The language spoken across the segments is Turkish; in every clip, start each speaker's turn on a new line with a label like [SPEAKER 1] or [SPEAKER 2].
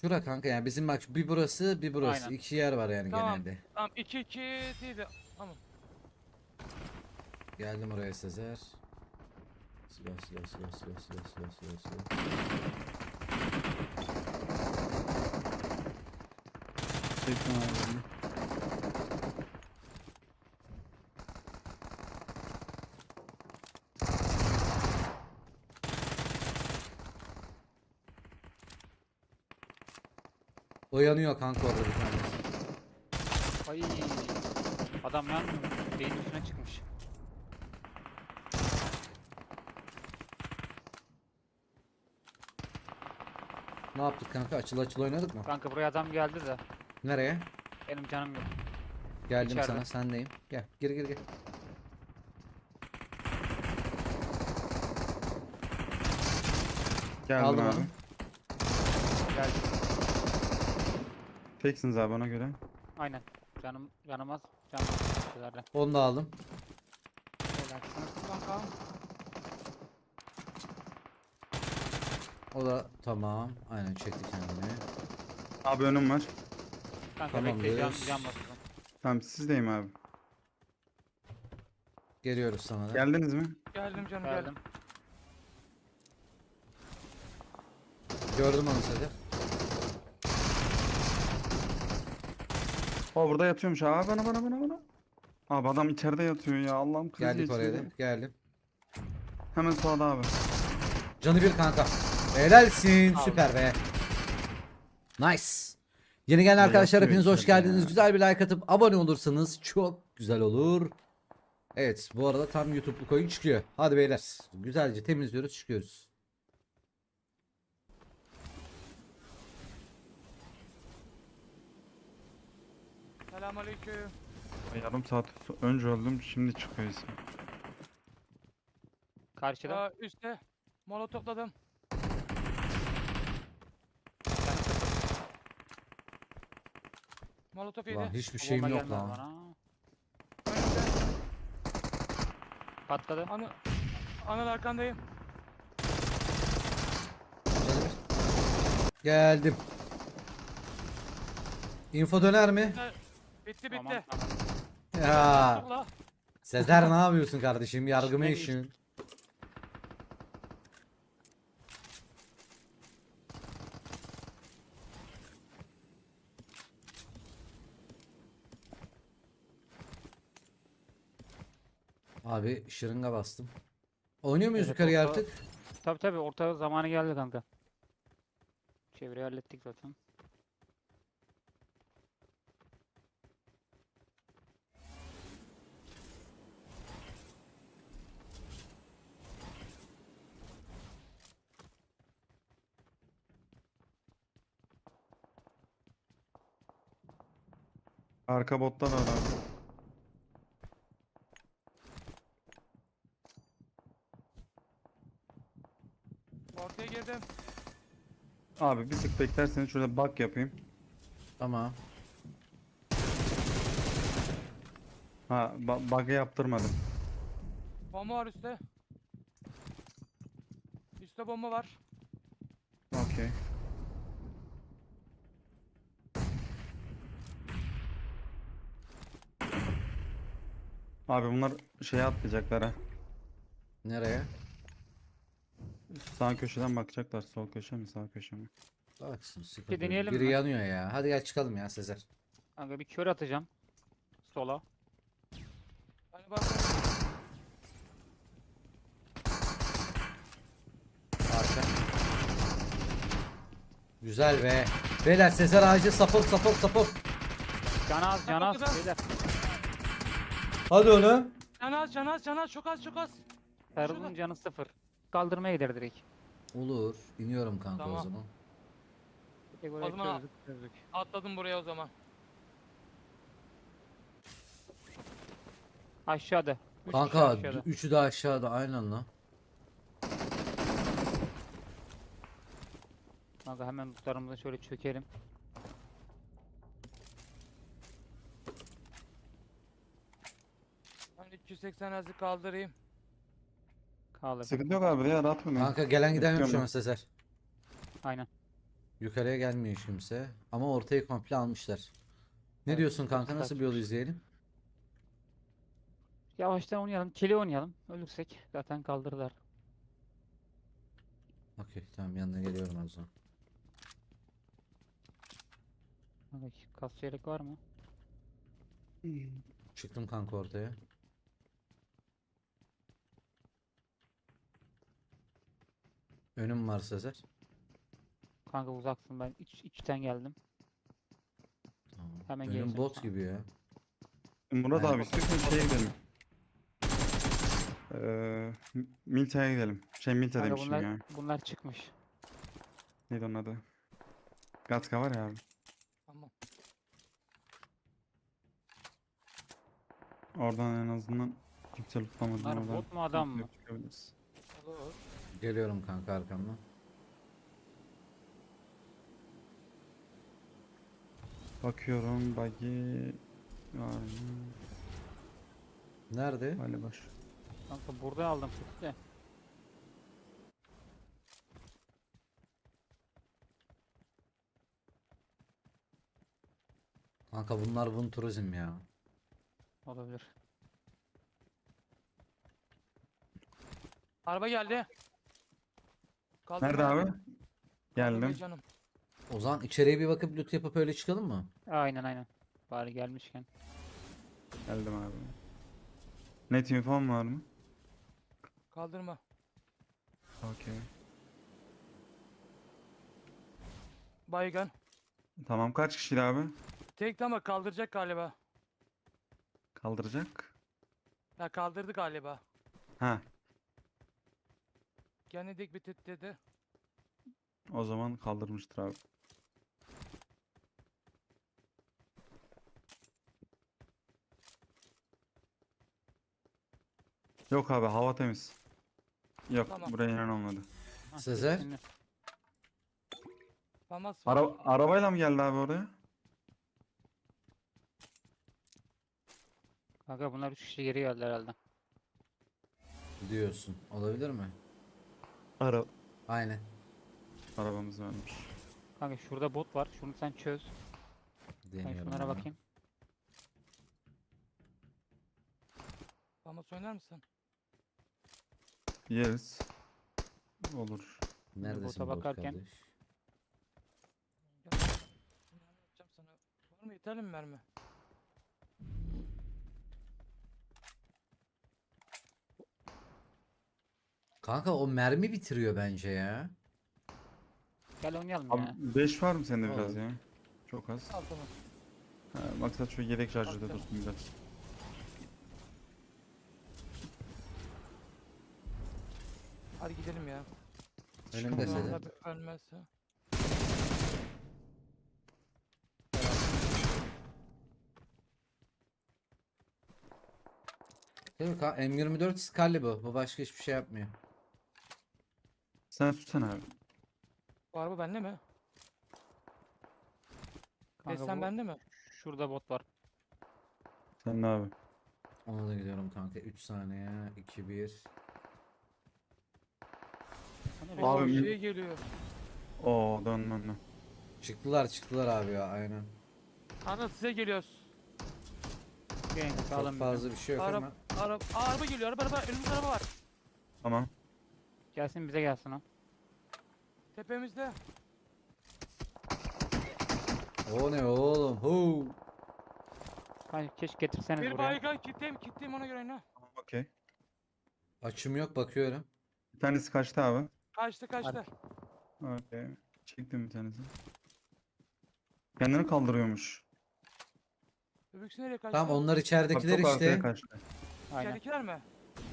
[SPEAKER 1] Şura kanka, yani bizim bak bir burası bir burası.
[SPEAKER 2] Aynen.
[SPEAKER 1] İki yer var yani
[SPEAKER 3] Tamam.
[SPEAKER 1] genelde.
[SPEAKER 3] Tamam 2-2 değil de. Tamam.
[SPEAKER 1] Geldim oraya Sezer. Silah.
[SPEAKER 4] Çektim abi.
[SPEAKER 1] O yanıyor kanka orada bir tanesi.
[SPEAKER 2] Ay. Adam yanmıyor. Beyin üstüne çıkmış.
[SPEAKER 1] Ne yaptık kanka? Açıl oynadık mı?
[SPEAKER 2] Kanka buraya adam geldi de.
[SPEAKER 1] Nereye?
[SPEAKER 2] Benim canım yok.
[SPEAKER 1] Geldim
[SPEAKER 2] İçeride.
[SPEAKER 1] sana, sendeyim. Gel, gir.
[SPEAKER 4] Geldim
[SPEAKER 1] Aldım
[SPEAKER 4] abi.
[SPEAKER 1] onu.
[SPEAKER 2] Geldi.
[SPEAKER 4] Teksiniz abi ona göre.
[SPEAKER 2] Aynen. Canım az. Canım az. Güzel.
[SPEAKER 1] Onu da aldım.
[SPEAKER 2] Relaxsın kanka.
[SPEAKER 1] O da tamam. Aynen çekti kendini.
[SPEAKER 4] Abi önüm var.
[SPEAKER 2] Kanka
[SPEAKER 1] Tamamdır.
[SPEAKER 2] bekle can basıyorum.
[SPEAKER 4] Tamam sizdeyim abi.
[SPEAKER 1] Geliyoruz sana da.
[SPEAKER 4] Geldiniz mi?
[SPEAKER 3] Geldim canım geldim.
[SPEAKER 2] Geldim.
[SPEAKER 1] Gördüm onu Sezer.
[SPEAKER 4] O burada yatıyormuş abi. Bana. Abi adam içeride yatıyor ya. Allah'ım kriz
[SPEAKER 1] Geldik oraya da.
[SPEAKER 4] geçirdi.
[SPEAKER 1] Geldim.
[SPEAKER 4] Hemen sağda abi.
[SPEAKER 1] Canı bir kanka. Helalsin.
[SPEAKER 2] Aldım.
[SPEAKER 1] Süper be. Nice. Yeni gelen arkadaşlar
[SPEAKER 4] yapıyor
[SPEAKER 1] hepiniz hoş
[SPEAKER 4] içeride
[SPEAKER 1] geldiniz.
[SPEAKER 4] ya.
[SPEAKER 1] Güzel bir like atıp abone olursanız çok güzel olur. Evet, bu arada tam YouTube'luk oyun çıkıyor. Hadi beyler. Güzelce temizliyoruz, çıkıyoruz.
[SPEAKER 3] Selamünaleyküm.
[SPEAKER 4] Yarım saat önce öldüm. Şimdi çıkıyor isim.
[SPEAKER 2] Karşıda.
[SPEAKER 3] Aa, üstte. Molotofladım.
[SPEAKER 2] Canım sıfır.
[SPEAKER 3] Molotof
[SPEAKER 1] Ulan
[SPEAKER 3] yedi.
[SPEAKER 1] hiçbir
[SPEAKER 2] O
[SPEAKER 1] şeyim
[SPEAKER 2] bomba
[SPEAKER 1] yok
[SPEAKER 2] gelmedi
[SPEAKER 1] lan.
[SPEAKER 2] bana.
[SPEAKER 3] Önümde.
[SPEAKER 2] Patladı.
[SPEAKER 3] Anıl arkandayım.
[SPEAKER 1] Canı bir. Geldim. Info döner mi?
[SPEAKER 3] Bitti.
[SPEAKER 2] Tamam,
[SPEAKER 3] Bitti.
[SPEAKER 2] tamam.
[SPEAKER 1] Ya
[SPEAKER 3] Topla.
[SPEAKER 1] Sezer ne yapıyorsun kardeşim? Yargımı
[SPEAKER 2] İşine
[SPEAKER 1] işin. Abi şırınga bastım. Oynuyor muyuz
[SPEAKER 2] Evet,
[SPEAKER 1] yukarıya
[SPEAKER 2] orta-
[SPEAKER 1] artık?
[SPEAKER 2] Tabii orta zamanı geldi kanka. Çevreyi hallettik zaten.
[SPEAKER 4] Arka botta da var abi.
[SPEAKER 3] Ortaya girdim.
[SPEAKER 4] Abi bir tık beklerseniz şurada bug yapayım.
[SPEAKER 1] Tamam.
[SPEAKER 4] Ha bug'ı yaptırmadım.
[SPEAKER 3] Bomba var üstte. Üstte bomba var.
[SPEAKER 4] Okey. Abi bunlar şeye atlayacaklar ha.
[SPEAKER 1] Nereye?
[SPEAKER 4] Sağ köşeden bakacaklar. Sol köşe mi sağ köşe mi?
[SPEAKER 1] Baksın sıkıntı
[SPEAKER 2] Bir
[SPEAKER 1] yok.
[SPEAKER 2] deneyelim
[SPEAKER 1] Biri
[SPEAKER 2] mi?
[SPEAKER 1] yanıyor ya. Hadi gel çıkalım ya Sezer.
[SPEAKER 2] Kanka bir kör atacağım. Sola.
[SPEAKER 3] Hani bak.
[SPEAKER 1] Arka. Güzel be. Beyler Sezer ağacı sapık.
[SPEAKER 2] Can az.
[SPEAKER 3] Kapatacağım.
[SPEAKER 2] Beyler.
[SPEAKER 1] Hadi oğlum.
[SPEAKER 3] Can az. Çok az.
[SPEAKER 2] Sarılın canı sıfır. Kaldırmaya gider direkt.
[SPEAKER 1] Olur. İniyorum kanka o
[SPEAKER 3] Tamam.
[SPEAKER 1] zaman.
[SPEAKER 2] Tek
[SPEAKER 3] O
[SPEAKER 2] oraya
[SPEAKER 3] zaman-
[SPEAKER 2] çözdük.
[SPEAKER 3] Atladım buraya o zaman.
[SPEAKER 2] Aşağıda. 3 kişi
[SPEAKER 1] Kanka
[SPEAKER 2] aşağıda.
[SPEAKER 1] üçü de aşağıda aynen lan.
[SPEAKER 2] Kanka hemen lootlarımıza şöyle çökelim.
[SPEAKER 3] Ben 280 azı kaldırayım.
[SPEAKER 2] Kaldır.
[SPEAKER 4] Sıkıntı yok abi ya rahat oynayın.
[SPEAKER 1] Kanka gelen giden yok şu an
[SPEAKER 4] Bekliyorum
[SPEAKER 1] Sezer.
[SPEAKER 2] Aynen.
[SPEAKER 1] Yukarıya gelmiyor hiç kimse. Ama ortayı komple almışlar. Ne
[SPEAKER 2] Evet,
[SPEAKER 1] diyorsun kanka?
[SPEAKER 2] hepsi
[SPEAKER 1] Nasıl bir yol
[SPEAKER 2] kaçmış.
[SPEAKER 1] izleyelim?
[SPEAKER 2] Yavaştan oynayalım. Kili oynayalım. Ölürsek zaten kaldırırlar.
[SPEAKER 1] Okey tamam, yanına geliyorum o zaman.
[SPEAKER 2] Kanka kas yelek var mı?
[SPEAKER 1] Çıktım kanka ortaya. Önüm var Sezer.
[SPEAKER 2] Kanka uzaksın, ben içten geldim.
[SPEAKER 1] Tamam.
[SPEAKER 2] Hemen
[SPEAKER 1] Önüm
[SPEAKER 2] geleceğim
[SPEAKER 1] bot
[SPEAKER 2] sana.
[SPEAKER 1] gibi ya.
[SPEAKER 4] Murat
[SPEAKER 1] Aynen.
[SPEAKER 4] abi istiyorsan şeye gidelim. Milta'ya gidelim. Milta
[SPEAKER 2] Kanka
[SPEAKER 4] demişim ya.
[SPEAKER 2] bunlar çıkmış.
[SPEAKER 4] Neydi onun adı? Gatka var ya abi.
[SPEAKER 3] Tamam.
[SPEAKER 4] Oradan en azından kimse lootlamadı.
[SPEAKER 2] Bunlar
[SPEAKER 4] Oradan
[SPEAKER 2] bot mu adam mı?
[SPEAKER 4] çıkabiliriz.
[SPEAKER 3] Olur.
[SPEAKER 1] Geliyorum kanka arkamdan.
[SPEAKER 4] Bakıyorum buggy var mı?
[SPEAKER 1] Nerede?
[SPEAKER 4] Hali boş.
[SPEAKER 2] Kanka burada aldım kutu de.
[SPEAKER 1] Kanka bunlar Vun Turizm ya.
[SPEAKER 2] Olabilir.
[SPEAKER 3] Araba geldi. Kaldırma.
[SPEAKER 4] Nerede abi?
[SPEAKER 3] Kaldırma
[SPEAKER 4] Geldim.
[SPEAKER 3] canım.
[SPEAKER 1] O zaman içeriye bir bakıp loot yapıp öyle çıkalım mı?
[SPEAKER 2] Aynen. Bari gelmişken.
[SPEAKER 4] Geldim abi. Net infom var mı?
[SPEAKER 3] Kaldırma.
[SPEAKER 4] Okey.
[SPEAKER 3] Baygan.
[SPEAKER 4] Tamam kaç kişiydi abi?
[SPEAKER 3] Tek ama kaldıracak galiba.
[SPEAKER 4] Kaldıracak.
[SPEAKER 3] Ya kaldırdı galiba.
[SPEAKER 4] Ha,
[SPEAKER 3] Kendi dik bitit dedi.
[SPEAKER 4] o zaman kaldırmıştır abi. Yok abi hava temiz. Yok
[SPEAKER 3] Tamam.
[SPEAKER 4] buraya inen olmadı.
[SPEAKER 2] Hah,
[SPEAKER 1] Sezer?
[SPEAKER 2] şimdi.
[SPEAKER 3] Famas.
[SPEAKER 4] Arabayla mı geldi abi oraya?
[SPEAKER 2] Kanka bunlar 3 kişi geri geldi herhalde.
[SPEAKER 1] Diyorsun. Olabilir mi?
[SPEAKER 4] Ara
[SPEAKER 1] Aynen.
[SPEAKER 4] Arabamız varmış.
[SPEAKER 2] Kanka şurada bot var. Şunu sen çöz. Ben
[SPEAKER 1] Deniyorum
[SPEAKER 2] şunlara
[SPEAKER 1] ama.
[SPEAKER 2] bakayım.
[SPEAKER 3] Famas oynar mısın?
[SPEAKER 4] Yeriz. Olur.
[SPEAKER 1] Neredesin
[SPEAKER 2] bota
[SPEAKER 1] bot
[SPEAKER 2] bakarken-
[SPEAKER 1] kardeş?
[SPEAKER 3] Gel. Ne yapacağım sana? Var mı yeterli mi mermi?
[SPEAKER 1] Kanka o mermi bitiriyor bence ya.
[SPEAKER 2] Gel oynayalım
[SPEAKER 4] Abi
[SPEAKER 2] ya.
[SPEAKER 4] 5 var mı sende biraz
[SPEAKER 1] Olur.
[SPEAKER 4] ya? Çok az.
[SPEAKER 3] Al tamam.
[SPEAKER 4] Ha, maksat şu yedek şarjörde
[SPEAKER 3] Tamam.
[SPEAKER 4] dursun biraz.
[SPEAKER 3] Hadi gidelim ya.
[SPEAKER 1] Önümde
[SPEAKER 4] Çıkalım abi.
[SPEAKER 1] Sezer.
[SPEAKER 3] Tabii ölmezse.
[SPEAKER 1] Değil mi? M24 Scully bu. Bu başka hiçbir şey yapmıyor.
[SPEAKER 4] Sen tutsana abi.
[SPEAKER 3] Bu araba bende mi?
[SPEAKER 2] Kanka
[SPEAKER 3] Desen
[SPEAKER 2] bu-
[SPEAKER 3] bende mi?
[SPEAKER 2] Şurada bot var.
[SPEAKER 4] Sen ne abi?
[SPEAKER 1] Ona da gidiyorum kanka. 3 saniye. 2 1.
[SPEAKER 2] Hani
[SPEAKER 3] Oo,
[SPEAKER 4] Abi-
[SPEAKER 3] şey geliyor.
[SPEAKER 4] Oo dön.
[SPEAKER 1] Çıktılar abi ya aynen.
[SPEAKER 3] Ana size geliyoruz.
[SPEAKER 2] Gelin
[SPEAKER 1] Çok
[SPEAKER 2] sağlam
[SPEAKER 1] fazla bir şey yok
[SPEAKER 3] Araba,
[SPEAKER 1] ama.
[SPEAKER 3] araba geliyor. Araba. Önümüzde araba var.
[SPEAKER 4] Tamam.
[SPEAKER 2] Gelsin bize gelsin o.
[SPEAKER 3] Tepemizde.
[SPEAKER 1] O ne oğlum? Huu.
[SPEAKER 2] Kanka keşke getirseniz
[SPEAKER 3] Bir
[SPEAKER 2] buraya.
[SPEAKER 3] baygan kitleyim ona göre ne?
[SPEAKER 4] Okey.
[SPEAKER 1] Açım yok, bakıyorum.
[SPEAKER 4] Bir tanesi kaçtı abi.
[SPEAKER 3] Kaçtı.
[SPEAKER 4] Okey. Çektim bir tanesi. Kendini kaldırıyormuş.
[SPEAKER 3] Öbüksü nereye kaçtı?
[SPEAKER 1] Tamam, onlar
[SPEAKER 4] Bak
[SPEAKER 1] içeridekiler
[SPEAKER 4] çok arkaya
[SPEAKER 1] işte.
[SPEAKER 4] kaçtı.
[SPEAKER 2] Aynen.
[SPEAKER 3] İçeridekiler mi?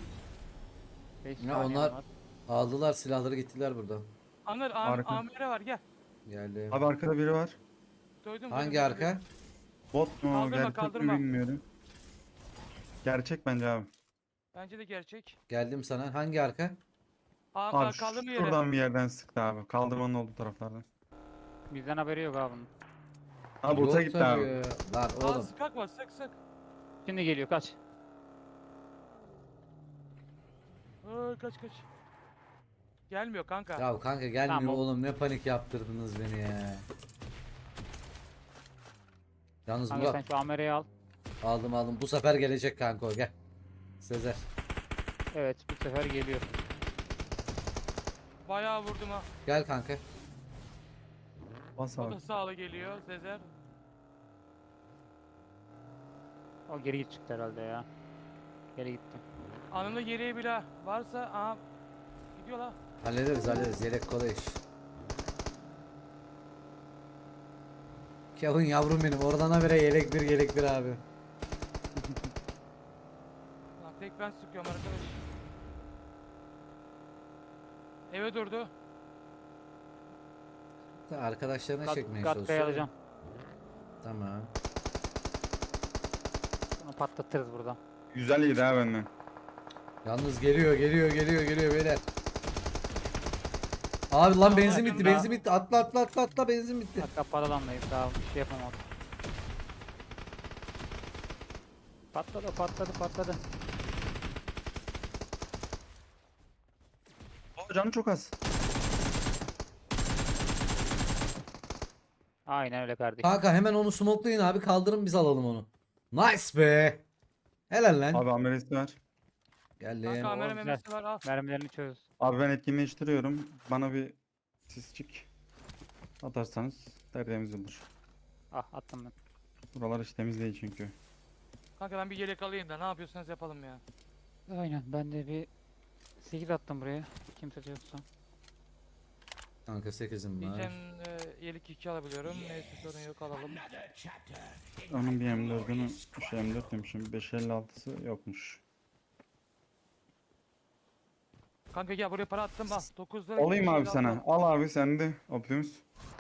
[SPEAKER 2] 5
[SPEAKER 1] Ya
[SPEAKER 2] saniye
[SPEAKER 1] onlar-
[SPEAKER 2] var.
[SPEAKER 1] Aldılar silahları, gittiler buradan.
[SPEAKER 3] Anır
[SPEAKER 4] Arka.
[SPEAKER 3] amire var gel.
[SPEAKER 1] Geldi.
[SPEAKER 4] Abi arkada biri var.
[SPEAKER 3] Duydum.
[SPEAKER 1] Hangi arka?
[SPEAKER 4] Bot mu?
[SPEAKER 3] Kaldırma,
[SPEAKER 4] Gerçek
[SPEAKER 3] kaldırma.
[SPEAKER 4] mi bilmiyorum. Gerçek bence abi.
[SPEAKER 3] Bence de gerçek.
[SPEAKER 1] Geldim sana. Hangi arka?
[SPEAKER 4] Abi
[SPEAKER 3] Kaldırma yeri.
[SPEAKER 4] şuradan bir yerden sıktı abi. Kaldırmanın olduğu taraflardan.
[SPEAKER 2] Bizden haberi yok abi bunun.
[SPEAKER 4] Ha bota
[SPEAKER 1] Yok
[SPEAKER 4] gitti
[SPEAKER 1] tabii
[SPEAKER 4] abi.
[SPEAKER 1] ya. Lan
[SPEAKER 3] Aa
[SPEAKER 1] oğlum.
[SPEAKER 3] sıkak var sık.
[SPEAKER 2] Şimdi geliyor kaç.
[SPEAKER 3] Kaç. Gelmiyor kanka.
[SPEAKER 1] Ya kanka gelmiyor
[SPEAKER 2] Tamam.
[SPEAKER 1] oğlum, ne panik yaptırdınız beni ya. Yalnız
[SPEAKER 2] Kanka sen
[SPEAKER 1] Murat,
[SPEAKER 2] şu Amera'yı al.
[SPEAKER 1] aldım bu sefer gelecek kanka o, gel. Sezer.
[SPEAKER 2] Evet bu sefer geliyor.
[SPEAKER 3] Bayağı vurdum ha.
[SPEAKER 1] Gel kanka.
[SPEAKER 4] Bas
[SPEAKER 3] O
[SPEAKER 4] abi.
[SPEAKER 3] da sağlı geliyor Sezer.
[SPEAKER 2] O geri çıktı herhalde ya. Geri gitti.
[SPEAKER 3] Anında geriye bile varsa aha gidiyor la.
[SPEAKER 1] Hallederiz yelek kolay iş. Kevin yavrum benim, oradan habire yelek bir abi.
[SPEAKER 3] Lan tek ben sıkıyorum arkadaş. Eve durdu.
[SPEAKER 1] Arkadaşlarına çekmeye
[SPEAKER 2] Gatka'yı
[SPEAKER 1] çalışıyor.
[SPEAKER 2] alacağım.
[SPEAKER 1] Tamam.
[SPEAKER 2] Bunu patlatırız burada.
[SPEAKER 4] Güzel yedi ha benden.
[SPEAKER 1] Yalnız geliyor beyler. Abi lan benzin bitti,
[SPEAKER 2] yakında.
[SPEAKER 1] benzin bitti. Atla benzin bitti.
[SPEAKER 2] Hatta paralandayız daha bir şey yapamadım. Patladı.
[SPEAKER 4] Aa, canı çok az.
[SPEAKER 2] Aynen öyle kardeşim.
[SPEAKER 1] Kanka hemen onu smokelayın abi, kaldırın biz alalım onu. Nice be. Helal lan.
[SPEAKER 4] Abi ameliyatı var.
[SPEAKER 1] Geldim.
[SPEAKER 3] Kanka kamera
[SPEAKER 2] güzel.
[SPEAKER 3] memesi var al.
[SPEAKER 2] Mermilerini çöz.
[SPEAKER 4] Abi ben etkinleştiriyorum. Bana bir sisçik atarsanız tertemiz olur.
[SPEAKER 2] Ah attım ben.
[SPEAKER 4] Buralar hiç temiz değil çünkü.
[SPEAKER 3] Kanka ben bir yelek alayım da ne yapıyorsanız yapalım ya.
[SPEAKER 2] Aynen ben de bir 8 attım buraya. Kimse de yoksa.
[SPEAKER 1] Kanka 8'im var.
[SPEAKER 3] Diyeceğim yelek 2 alabiliyorum. Neyse sorun yok alalım.
[SPEAKER 4] Onun bir M4'ünü, şey M4 demişim, 556'sı yokmuş.
[SPEAKER 3] Kanka gel buraya para attım al. 9 lira.
[SPEAKER 4] Alayım abi
[SPEAKER 3] 556
[SPEAKER 4] sana. Al abi sen de Optimus.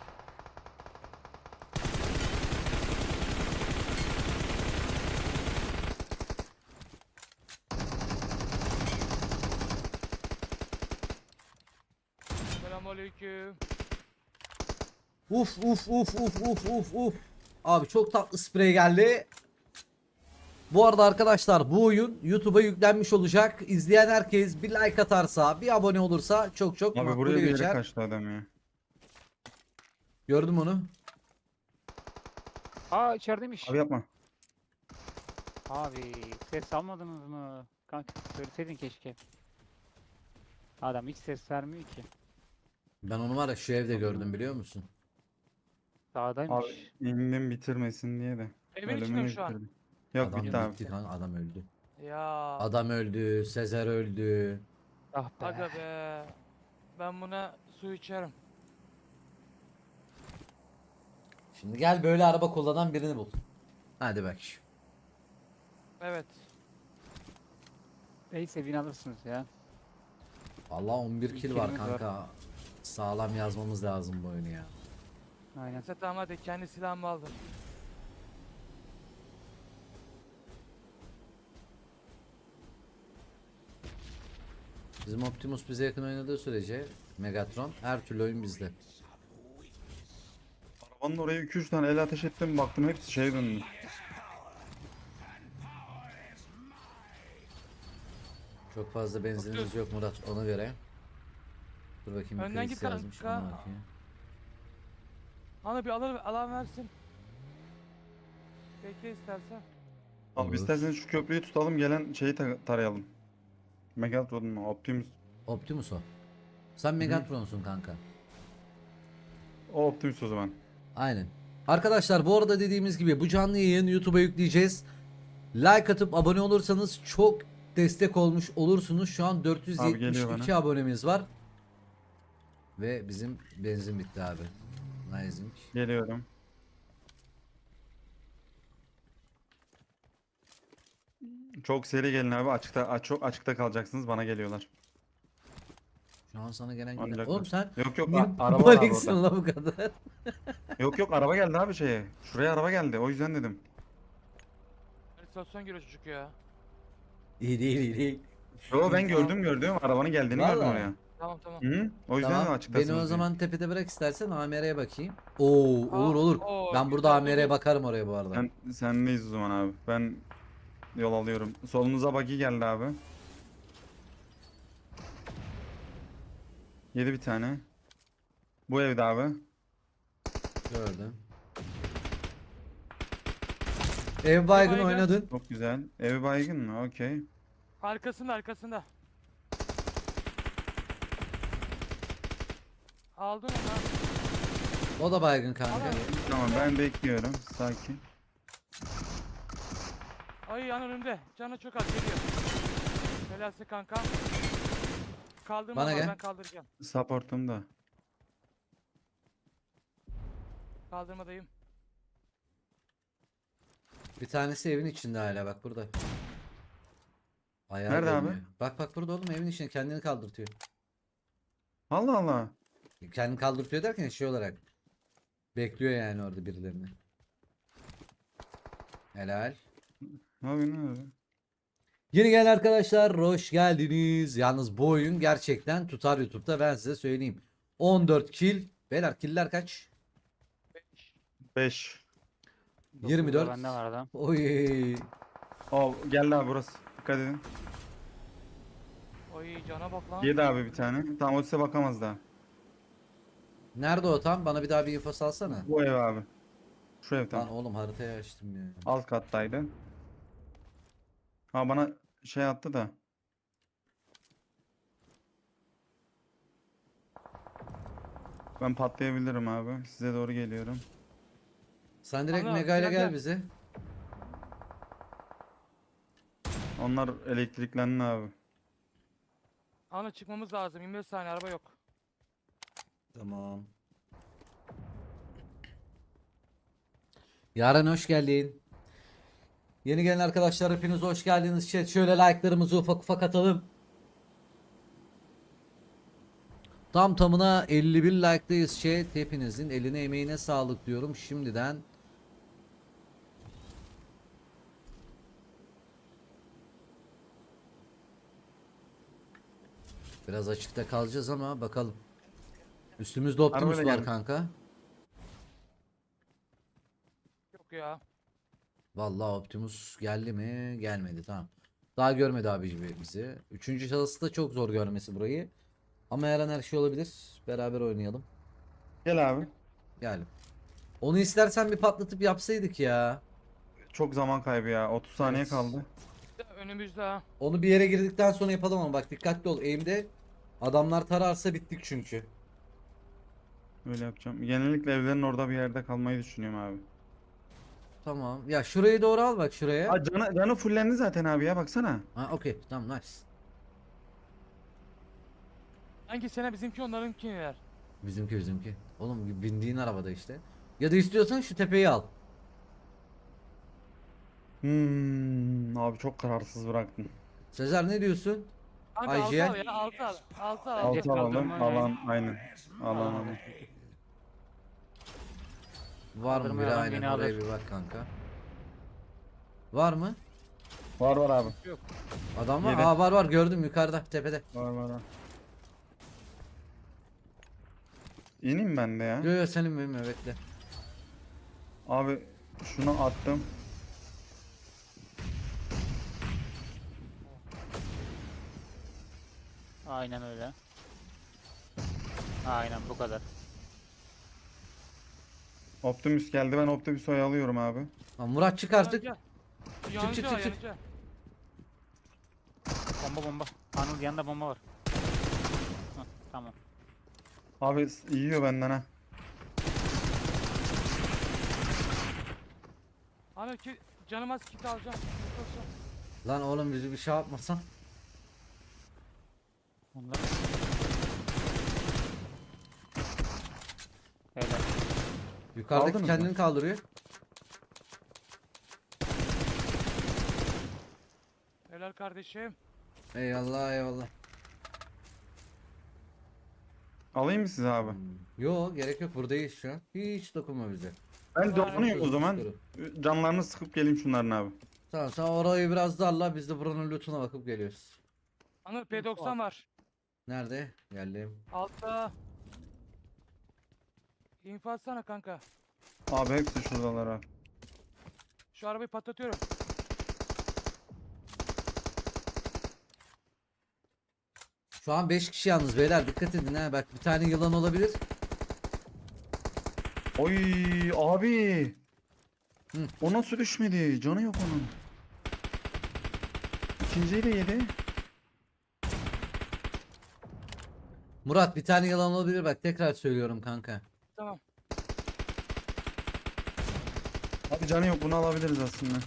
[SPEAKER 3] Selamünaleyküm.
[SPEAKER 1] Uf. Abi çok tatlı sprey geldi. Bu arada arkadaşlar bu oyun YouTube'a yüklenmiş olacak. İzleyen herkes bir like atarsa, bir abone olursa çok
[SPEAKER 4] Abi
[SPEAKER 1] makbule
[SPEAKER 4] buraya bir yere
[SPEAKER 1] geçer.
[SPEAKER 4] kaçtı adam ya.
[SPEAKER 1] Gördüm onu.
[SPEAKER 2] Aa içerideymiş.
[SPEAKER 4] Abi yapma.
[SPEAKER 2] Abi ses almadınız mı? Kanka söyleseydin keşke. Adam hiç ses vermiyor ki.
[SPEAKER 1] Ben onu var ya şu evde gördüm, biliyor musun?
[SPEAKER 2] Sağdaymış.
[SPEAKER 4] Abi indim bitirmesin diye de.
[SPEAKER 3] Evin içinde
[SPEAKER 4] Ölümünü
[SPEAKER 3] mi şu an?
[SPEAKER 4] bitirdim. Yok
[SPEAKER 1] Adam
[SPEAKER 4] bitti abi.
[SPEAKER 1] bitti kanka, adam öldü.
[SPEAKER 3] Ya.
[SPEAKER 1] Adam öldü, Sezer öldü.
[SPEAKER 2] Ah be.
[SPEAKER 3] Aga be. Ben buna su içerim.
[SPEAKER 1] Şimdi gel böyle araba kullanan birini bul. Hadi bak.
[SPEAKER 3] Evet.
[SPEAKER 2] Neyse win alırsınız ya.
[SPEAKER 1] Vallahi 11 kill var
[SPEAKER 2] Killimiz var.
[SPEAKER 1] kanka. Sağlam yazmamız lazım bu oyunu ya.
[SPEAKER 2] Aynen.
[SPEAKER 3] Neyse tamam hadi kendi silahımı aldım.
[SPEAKER 1] Bizim Optimus bize yakın oynadığı sürece Megatron her türlü oyun bizde.
[SPEAKER 4] Arabanın oraya 2-3 tane el ateş ettim, baktım hepsi şeye döndü.
[SPEAKER 1] Çok fazla benzinimiz yok Murat, ona göre. Dur bakayım, bir
[SPEAKER 3] Önden
[SPEAKER 1] kriz
[SPEAKER 3] git
[SPEAKER 1] yazmış,
[SPEAKER 3] kanka.
[SPEAKER 1] ona bakayım.
[SPEAKER 3] Ana bir alan versin. Bekle istersen.
[SPEAKER 4] Abi
[SPEAKER 1] Olur.
[SPEAKER 4] isterseniz şu köprüyü tutalım, gelen şeyi tarayalım. Megatron'un Optimus.
[SPEAKER 1] Optimus o. Sen Megatron'sun kanka.
[SPEAKER 4] O Optimus o zaman.
[SPEAKER 1] Aynen. Arkadaşlar bu arada dediğimiz gibi bu canlı yayın YouTube'a yükleyeceğiz. Like atıp abone olursanız çok destek olmuş olursunuz. Şu an
[SPEAKER 4] Abi geliyor
[SPEAKER 1] 472
[SPEAKER 4] bana.
[SPEAKER 1] abonemiz var. Ve bizim benzin bitti abi. Nice.
[SPEAKER 4] Geliyorum. Çok seri gelin abi, çok açıkta kalacaksınız, bana geliyorlar.
[SPEAKER 1] Şu an sana gelen
[SPEAKER 4] Ancak
[SPEAKER 1] gelen. Oğlum sen
[SPEAKER 4] Yok yok
[SPEAKER 1] niye
[SPEAKER 4] araba var abi
[SPEAKER 1] paniksin
[SPEAKER 4] orada.
[SPEAKER 1] la bu kadar?
[SPEAKER 4] Yok yok araba geldi abi şeye. Şuraya araba geldi, o yüzden dedim.
[SPEAKER 3] İstasyon giriyor çocuk ya.
[SPEAKER 1] İyi değil.
[SPEAKER 4] Yo ben gördüm arabanın geldiğini gördüm
[SPEAKER 1] Vallahi.
[SPEAKER 4] oraya.
[SPEAKER 3] Tamam tamam.
[SPEAKER 4] Hı? O yüzden
[SPEAKER 1] Tamam.
[SPEAKER 4] açıktasınız
[SPEAKER 1] Beni o
[SPEAKER 4] diye.
[SPEAKER 1] zaman tepede bırak istersen, AMR'ye bakayım. Oo, olur.
[SPEAKER 3] Oo,
[SPEAKER 1] Ben burada
[SPEAKER 3] güzel,
[SPEAKER 1] AMR'ye
[SPEAKER 3] olur.
[SPEAKER 1] bakarım oraya bu arada.
[SPEAKER 4] Sendeyiz o zaman abi. Ben yol alıyorum. Solunuza buggy geldi abi. Yedi bir tane. Bu evde abi.
[SPEAKER 1] Gördüm. Ev baygın
[SPEAKER 3] baygın.
[SPEAKER 1] oynadın.
[SPEAKER 4] Çok güzel. Evi baygın mı? Okey.
[SPEAKER 3] Arkasında arkasında. Aldın onu.
[SPEAKER 1] O da baygın kanka.
[SPEAKER 3] Al.
[SPEAKER 4] Tamam ben bekliyorum. Sakin.
[SPEAKER 3] Ay yan önümde. Canı çok az geliyor. Belası kanka. Kaldırma
[SPEAKER 1] Bana
[SPEAKER 3] var,
[SPEAKER 1] gel.
[SPEAKER 3] ben kaldıracağım.
[SPEAKER 4] Supportumda.
[SPEAKER 3] Kaldırmadayım.
[SPEAKER 1] Bir tanesi evin içinde hala bak burada. Ayağı
[SPEAKER 4] Nerede abi?
[SPEAKER 1] dönüyor. Bak bak burada oğlum evin içinde kendini kaldırtıyor.
[SPEAKER 4] Allah Allah.
[SPEAKER 1] Kendini kaldırtıyor derken şey olarak. Bekliyor yani orada birilerini. Helal.
[SPEAKER 4] Ne yapıyorsun abi?
[SPEAKER 1] Yeni gelen arkadaşlar hoş geldiniz. Yalnız bu oyun gerçekten tutar YouTube'da ben size söyleyeyim. 14 kill. Beyler killer kaç?
[SPEAKER 4] 5.
[SPEAKER 1] 24.
[SPEAKER 2] Bende var adam.
[SPEAKER 1] Oy.
[SPEAKER 4] Oh geldi abi burası. Dikkat edin.
[SPEAKER 3] Oy cana bak lan.
[SPEAKER 4] Yedi abi bir tane. Tamam o size bakamaz daha.
[SPEAKER 1] Nerede o tam? Bana bir daha bir info salsana.
[SPEAKER 4] Bu ev abi. Şu ev
[SPEAKER 1] Lan
[SPEAKER 4] tam.
[SPEAKER 1] oğlum haritayı açtım ya.
[SPEAKER 4] Alt kattaydı. Ha bana şey attı da. Ben patlayabilirim abi. Size doğru geliyorum.
[SPEAKER 1] Sen direkt
[SPEAKER 3] Ana,
[SPEAKER 1] Mega ile
[SPEAKER 3] gel,
[SPEAKER 1] gel
[SPEAKER 3] gel.
[SPEAKER 1] bize.
[SPEAKER 4] Onlar elektriklendi abi.
[SPEAKER 3] Ana çıkmamız lazım. 25 saniye araba yok.
[SPEAKER 1] Tamam. Yaren hoş geldin. Yeni gelen arkadaşlar hepiniz hoş geldiniz. Chat şöyle like'larımızı ufak ufak atalım. Tam tamına 51 like'dayız chat. Hepinizin eline emeğine sağlık diyorum şimdiden. Biraz açıkta kalacağız ama bakalım. Üstümüzde Optimus
[SPEAKER 4] Arabayla
[SPEAKER 1] var
[SPEAKER 4] gelin.
[SPEAKER 1] kanka.
[SPEAKER 3] Yok ya.
[SPEAKER 1] Vallahi Optimus geldi mi? Gelmedi tamam. Daha görmedi abi bizi. Üçüncü şahısı da çok zor görmesi burayı. Ama her an her şey olabilir. Beraber oynayalım.
[SPEAKER 4] Gel abi.
[SPEAKER 1] Gel. Onu istersen bir patlatıp yapsaydık ya.
[SPEAKER 4] Çok zaman kaybı ya. 30 saniye
[SPEAKER 1] Evet.
[SPEAKER 4] kaldı.
[SPEAKER 3] Önümüzde ha.
[SPEAKER 1] Onu bir yere girdikten sonra yapalım ama bak dikkatli ol. Aim'de adamlar tararsa bittik çünkü.
[SPEAKER 4] Öyle yapacağım. Genellikle evlerin orada bir yerde kalmayı düşünüyorum abi.
[SPEAKER 1] Tamam. Ya şurayı doğru al bak şuraya.
[SPEAKER 4] Aa, canı fullendi zaten abi ya baksana.
[SPEAKER 1] Ha okey tamam nice.
[SPEAKER 3] Hangi sene bizimki onlarınkiler.
[SPEAKER 1] Bizimki. Oğlum bindiğin arabada işte. Ya da istiyorsan şu tepeyi al.
[SPEAKER 4] Abi çok kararsız bıraktın.
[SPEAKER 1] Sezer ne diyorsun?
[SPEAKER 3] Kanka
[SPEAKER 1] IGL.
[SPEAKER 3] 6 al ya 6 al. 6 al.
[SPEAKER 2] Bence
[SPEAKER 4] Altı alalım.
[SPEAKER 2] kaldırma
[SPEAKER 4] Alan aynen. Alan
[SPEAKER 2] Alan.
[SPEAKER 4] alan.
[SPEAKER 1] Var mı
[SPEAKER 2] Kaldırma
[SPEAKER 1] biri
[SPEAKER 2] yalan
[SPEAKER 1] aynen
[SPEAKER 2] yine
[SPEAKER 1] oraya
[SPEAKER 2] alır.
[SPEAKER 1] bir bak kanka. Var mı?
[SPEAKER 4] Var var abi.
[SPEAKER 1] Adam var.
[SPEAKER 4] Yedi.
[SPEAKER 1] Aa var gördüm yukarıda tepede.
[SPEAKER 4] Var var. Var. İneyim ben de ya.
[SPEAKER 1] Yo yo senin benim bekle.
[SPEAKER 4] Abi şunu attım.
[SPEAKER 2] Aynen öyle. Aynen bu kadar.
[SPEAKER 4] Optimus geldi. Ben Optimus'u oyalıyorum abi.
[SPEAKER 1] Lan Murat çık artık.
[SPEAKER 3] Yanıcı
[SPEAKER 1] çık,
[SPEAKER 3] o,
[SPEAKER 1] çık, çık.
[SPEAKER 3] yanıcı.
[SPEAKER 2] Bomba. Anıl yanında bomba var. Hah, tamam.
[SPEAKER 4] Abi yiyor benden ha.
[SPEAKER 3] Ana ki canım az kit alacağım. Koşun.
[SPEAKER 1] Lan oğlum bizi bir şey yapmasan.
[SPEAKER 2] Onlar. Helal.
[SPEAKER 1] Yukarıdaki
[SPEAKER 4] Aldınız
[SPEAKER 1] kendini
[SPEAKER 4] mı?
[SPEAKER 1] kaldırıyor.
[SPEAKER 3] Helal kardeşim.
[SPEAKER 1] Eyvallah eyvallah.
[SPEAKER 4] Alayım mı size abi?
[SPEAKER 1] Yo gerek yok buradayız şu an. Hiç dokunma bize.
[SPEAKER 4] Ben donuyorum o zaman.
[SPEAKER 1] Dur.
[SPEAKER 4] Canlarını sıkıp geleyim şunların abi.
[SPEAKER 1] Tamam sen orayı biraz darla biz de buranın lootuna bakıp geliyoruz.
[SPEAKER 3] Anıl P90 var.
[SPEAKER 1] Nerede? Geldim.
[SPEAKER 3] Altta. İnfaz atsana kanka.
[SPEAKER 4] Abi hepsi şuradalar abi.
[SPEAKER 3] Şu arabayı patlatıyorum.
[SPEAKER 1] Şu an 5 kişi yalnız beyler, dikkat edin ha, bak bir tane yılan olabilir.
[SPEAKER 4] Oy abi.
[SPEAKER 1] Hı.
[SPEAKER 4] O nasıl düşmedi? Canı yok onun. İkinciyi de yedi.
[SPEAKER 1] Murat bir tane yılan olabilir, bak tekrar söylüyorum kanka.
[SPEAKER 3] Tamam.
[SPEAKER 4] Abi canı yok, bunu alabiliriz aslında.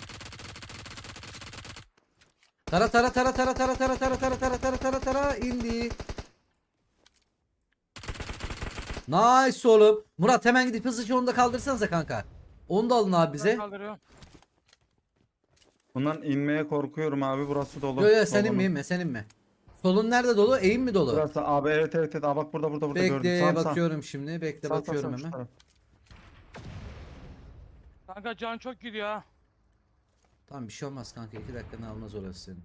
[SPEAKER 1] Tara tara tara tara tara tara tara tara tara tara tara tara indi. Nice oğlum. Murat hemen gidip hızlıca onu da kaldırsanıza kanka. Onu da alın abi
[SPEAKER 3] Ben
[SPEAKER 1] bize.
[SPEAKER 3] kaldırıyorum.
[SPEAKER 4] Bundan inmeye korkuyorum abi, burası dolu.
[SPEAKER 1] Yo yo, sen
[SPEAKER 4] Solunun.
[SPEAKER 1] inme inme, sen inme. Solun nerede dolu? Eğim mi dolu?
[SPEAKER 4] Burası abi, evet evet evet. Aa, bak burada gördüm.
[SPEAKER 1] Bekle
[SPEAKER 4] Sağ,
[SPEAKER 1] bakıyorum şimdi. Bekle
[SPEAKER 4] Sağ,
[SPEAKER 1] bakıyorum
[SPEAKER 4] şu
[SPEAKER 1] hemen.
[SPEAKER 4] taraf.
[SPEAKER 3] Kanka can çok gidiyor ha.
[SPEAKER 1] Tamam bir şey olmaz kanka. 2 dakikanı almaz orası senin.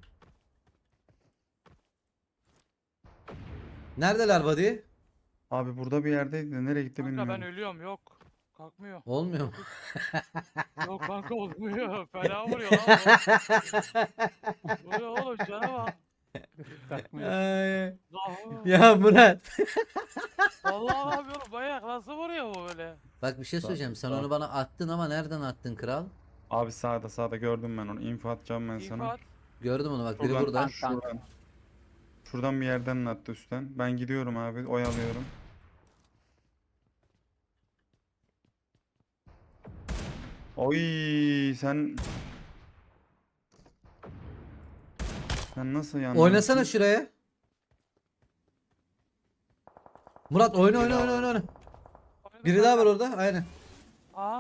[SPEAKER 1] Neredeler buddy?
[SPEAKER 4] Abi burada bir yerdeydi de nereye gitti
[SPEAKER 3] Kanka
[SPEAKER 4] bilmiyorum.
[SPEAKER 3] ben ölüyorum yok. Kalkmıyor.
[SPEAKER 1] Olmuyor mu?
[SPEAKER 3] Yok kanka olmuyor. Fena vuruyor lan bu. Vuruyor oğlum cana bak.
[SPEAKER 2] Takmıyor.
[SPEAKER 1] Ay,
[SPEAKER 3] Zahu.
[SPEAKER 1] ya Murat.
[SPEAKER 3] Vallahi abi oğlum bayağı nasıl vuruyor bu böyle?
[SPEAKER 1] Bak bir şey
[SPEAKER 4] Sağ-
[SPEAKER 1] söyleyeceğim. Sen
[SPEAKER 4] sağ.
[SPEAKER 1] onu bana attın ama nereden attın kral?
[SPEAKER 4] Abi sağda gördüm ben onu. İnfo atacağım ben sana.
[SPEAKER 3] İnfat.
[SPEAKER 1] Gördüm onu, bak biri
[SPEAKER 4] Şuradan,
[SPEAKER 1] burada.
[SPEAKER 4] şuradan. Şuradan bir yerden attı üstten. Ben gidiyorum abi, oyalıyorum. Oy sen nasıl yandın?
[SPEAKER 1] Oynasana şuraya. Murat oyna oyna oyna oyna. Biri daha var orada. Aynen.
[SPEAKER 3] Aa.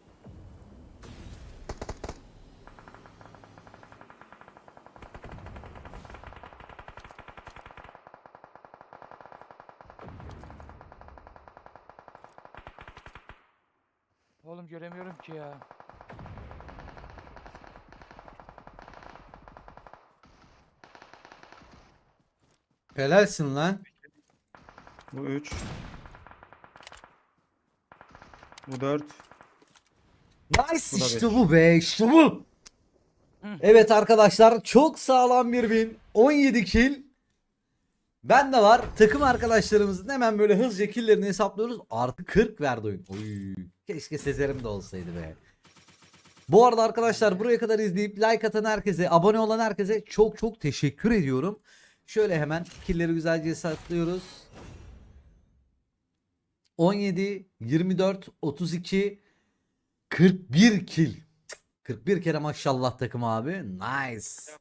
[SPEAKER 3] Oğlum göremiyorum ki ya.
[SPEAKER 1] Helalsin lan.
[SPEAKER 4] Bu 3. Bu 4.
[SPEAKER 1] Nice,
[SPEAKER 4] Bu da
[SPEAKER 1] işte
[SPEAKER 4] beş.
[SPEAKER 1] bu be, işte bu. Evet arkadaşlar, çok sağlam bir win. 17 kill. Ben de var. Takım arkadaşlarımızın hemen böyle hızlıca killlerini hesaplıyoruz. Artı 40 verdi oyun. Oy. Keşke Sezer'im de olsaydı be. Bu arada arkadaşlar, buraya kadar izleyip like atan herkese, abone olan herkese çok çok teşekkür ediyorum. Şöyle hemen killleri güzelce hesaplıyoruz. 17, 24, 32, 41 kill. 41 kere maşallah takım abi. Nice.